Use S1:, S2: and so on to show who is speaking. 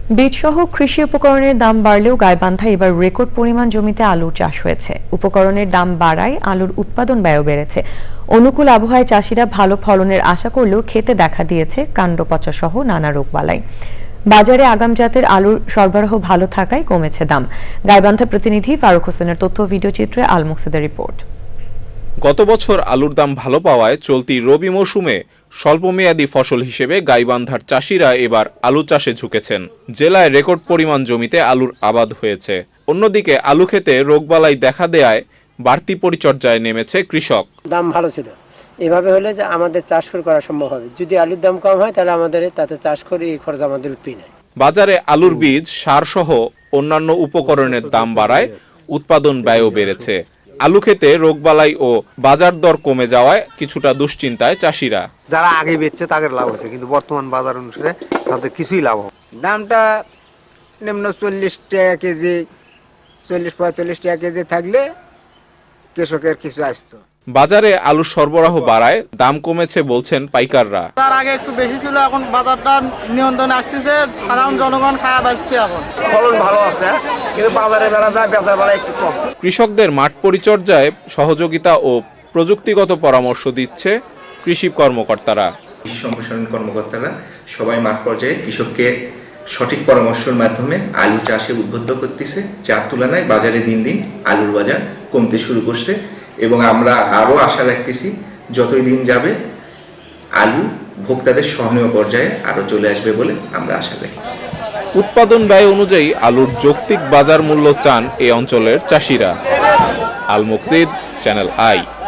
S1: বীজসহ কৃষি উপকরণের দাম বাড়লেও গাইবান্ধায় এবার রেকর্ড পরিমাণ জমিতে আলুর চাষ হয়েছে। উপকরণের দাম বাড়ায় আলুর উৎপাদন ব্যয় বেড়েছে। অনুকূল আবহাওয়ায় চাষিরা ভালো ফলনের আশা করলেও খেতে দেখা দিয়েছে কাণ্ড পচা সহ নানা রোগবালাই। বাজারে আগাম জাতের আলুর সরবরাহ ভালো থাকায় কমেছে দাম। গাইবান্ধা প্রতিনিধি ফারুক হোসেনের তথ্য ভিডিওচিত্রে আল মুকসিদের রিপোর্ট।
S2: গত বছর আলুর দাম ভালো পাওয়ায় চলতি রবি মৌসুমে স্বল্পমেয়াদী ফসল হিসেবে গাইবান্ধার চাষিরা এবার আলু চাষে ঝুঁকেছেন। জেলায় রেকর্ড পরিমাণ জমিতে আলুর আবাদ হয়েছে। অন্যদিকে আলু খেতে রোগবালাই দেখা দেয়ায় বাড়তি পরিচর্যায় নেমেছে কৃষক।
S3: দাম ভালো ছিল, এভাবে হলে যে আমাদের চাষ করা সম্ভব হবে। যদি আলুর দাম কম হয় তাহলে আমাদের তাতে চাষ করে এই খরচ আমাদের উঠবে না।
S2: বাজারে আলুর বীজ, সার সহ অন্যান্য উপকরণের দাম বাড়ায় উৎপাদন ব্যয়ও বেড়েছে। আলু খেতে রোগবালাই ও বাজার দর কমে যাওয়ায় কিছুটা দুশ্চিন্তায় চাষিরা।
S4: যারা আগে বেচছে তাদের লাভ হচ্ছে, কিন্তু বর্তমান বাজার অনুসারে তাদের কিছুই লাভ হবে।
S5: দামটা নিম্ন 40 টাকা কেজি, 40-45 টাকা কেজি থাকলে কৃষকের কিছু আসতো।
S2: বাজারে আলুর সরবরাহ বাড়ায় দাম কমেছে বলছেন পাইকাররা।
S6: তার আগে একটু বেশি ছিল, এখন বাজারটা নিয়ন্ত্রণে আসতেছে, সাধারণ জনগণ খাওয়া বাঁচছে। এখন
S3: ফলন ভালো আছে, কিন্তু বাজারে বেড়া যায়, বেচার বেলা একটু কম।
S2: কৃষকদের মাঠ পরিচর্যায় সহযোগিতা ও প্রযুক্তিগত পরামর্শ দিচ্ছে কৃষি কর্মকর্তারা।
S7: কৃষি সম্প্রসারণ কর্মকর্তারা সবাই মাঠ পর্যায়ে কৃষককে সঠিক পরামর্শের মাধ্যমে আলু চাষে উদ্বুদ্ধ করতেছে, যার তুলনায় বাজারে দিন দিন আলুর বাজার কমতে শুরু করছে এবং আমরা আরও আশা রাখতেছি যতই দিন যাবে আলু ভোক্তাদের সহনীয় পর্যায়ে আরও চলে আসবে বলে আমরা আশা রাখি।
S2: উৎপাদন ব্যয় অনুযায়ী আলুর যৌক্তিক বাজার মূল্য চান এই অঞ্চলের চাষিরা। Al Muksid, channel I.